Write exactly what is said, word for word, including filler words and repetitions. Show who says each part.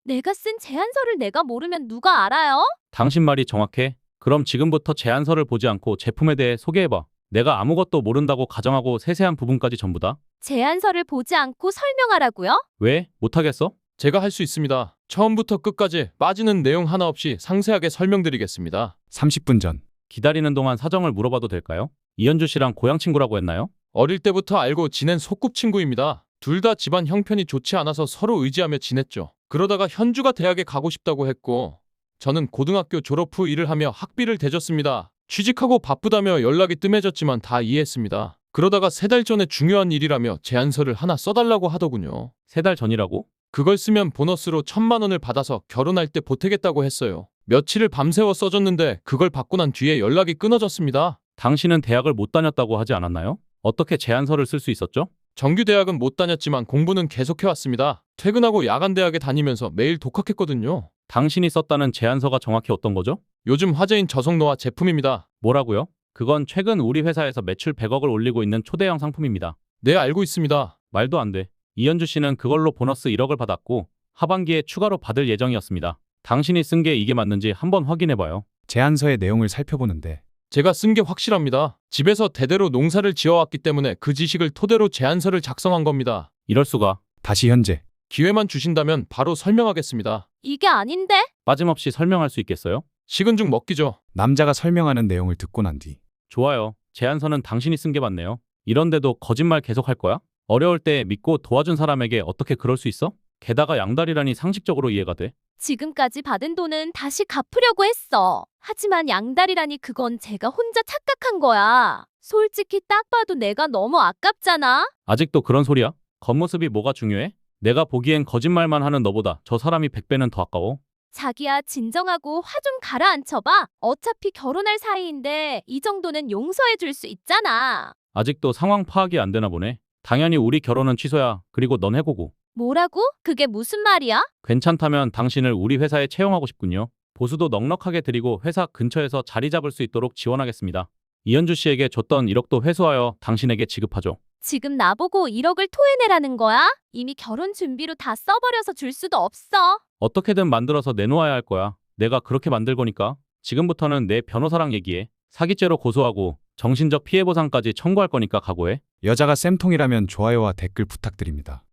Speaker 1: 내가 쓴 제안서를 내가 모르면 누가 알아요?
Speaker 2: 당신 말이 정확해. 그럼 지금부터 제안서를 보지 않고 제품에 대해 소개해봐. 내가 아무것도 모른다고 가정하고 세세한 부분까지 전부 다.
Speaker 1: 제안서를 보지 않고 설명하라고요?
Speaker 2: 왜? 못하겠어?
Speaker 3: 제가 할 수 있습니다. 처음부터 끝까지 빠지는 내용 하나 없이 상세하게 설명드리겠습니다.
Speaker 4: 삼십 분 전.
Speaker 2: 기다리는 동안 사정을 물어봐도 될까요? 이현주 씨랑 고향 친구라고 했나요?
Speaker 3: 어릴 때부터 알고 지낸 소꿉친구입니다. 둘 다 집안 형편이 좋지 않아서 서로 의지하며 지냈죠. 그러다가 현주가 대학에 가고 싶다고 했고 저는 고등학교 졸업 후 일을 하며 학비를 대줬습니다. 취직하고 바쁘다며 연락이 뜸해졌지만 다 이해했습니다. 그러다가 세 달 전에 중요한 일이라며 제안서를 하나 써달라고 하더군요.
Speaker 2: 세 달 전이라고?
Speaker 3: 그걸 쓰면 보너스로 천만 원을 받아서 결혼할 때 보태겠다고 했어요. 며칠을 밤새워 써줬는데 그걸 받고 난 뒤에 연락이 끊어졌습니다.
Speaker 2: 당신은 대학을 못 다녔다고 하지 않았나요? 어떻게 제안서를 쓸 수 있었죠?
Speaker 3: 정규 대학은 못 다녔지만 공부는 계속해왔습니다. 퇴근하고 야간 대학에 다니면서 매일 독학했거든요.
Speaker 2: 당신이 썼다는 제안서가 정확히 어떤 거죠?
Speaker 3: 요즘 화제인 저속노화 제품입니다.
Speaker 2: 뭐라고요? 그건 최근 우리 회사에서 매출 백억을 올리고 있는 초대형 상품입니다.
Speaker 3: 네, 알고 있습니다.
Speaker 2: 말도 안 돼. 이현주 씨는 그걸로 보너스 일억을 받았고 하반기에 추가로 받을 예정이었습니다. 당신이 쓴 게 이게 맞는지 한번 확인해봐요.
Speaker 4: 제안서의 내용을 살펴보는데
Speaker 3: 제가 쓴 게 확실합니다. 집에서 대대로 농사를 지어왔기 때문에 그 지식을 토대로 제안서를 작성한 겁니다.
Speaker 2: 이럴 수가.
Speaker 4: 다시 현재.
Speaker 3: 기회만 주신다면 바로 설명하겠습니다.
Speaker 1: 이게 아닌데?
Speaker 2: 빠짐없이 설명할 수 있겠어요?
Speaker 3: 식은 죽 먹기죠.
Speaker 4: 남자가 설명하는 내용을 듣고 난 뒤.
Speaker 2: 좋아요. 제안서는 당신이 쓴 게 맞네요. 이런데도 거짓말 계속할 거야? 어려울 때 믿고 도와준 사람에게 어떻게 그럴 수 있어? 게다가 양다리라니 상식적으로 이해가 돼.
Speaker 1: 지금까지 받은 돈은 다시 갚으려고 했어. 하지만 양다리라니 그건 제가 혼자 착각한 거야. 솔직히 딱 봐도 내가 너무 아깝잖아?
Speaker 2: 아직도 그런 소리야? 겉모습이 뭐가 중요해? 내가 보기엔 거짓말만 하는 너보다 저 사람이 백 배는 더 아까워.
Speaker 1: 자기야, 진정하고 화 좀 가라앉혀봐. 어차피 결혼할 사이인데 이 정도는 용서해 줄 수 있잖아.
Speaker 2: 아직도 상황 파악이 안 되나 보네. 당연히 우리 결혼은 취소야. 그리고 넌 해고고.
Speaker 1: 뭐라고? 그게 무슨 말이야?
Speaker 2: 괜찮다면 당신을 우리 회사에 채용하고 싶군요. 보수도 넉넉하게 드리고 회사 근처에서 자리 잡을 수 있도록 지원하겠습니다. 이현주 씨에게 줬던 일억도 회수하여 당신에게 지급하죠.
Speaker 1: 지금 나보고 일억을 토해내라는 거야? 이미 결혼 준비로 다 써버려서 줄 수도 없어.
Speaker 2: 어떻게든 만들어서 내놓아야 할 거야. 내가 그렇게 만들 거니까. 지금부터는 내 변호사랑 얘기해. 사기죄로 고소하고 정신적 피해 보상까지 청구할 거니까 각오해.
Speaker 4: 여자가 쌤통이라면 좋아요와 댓글 부탁드립니다.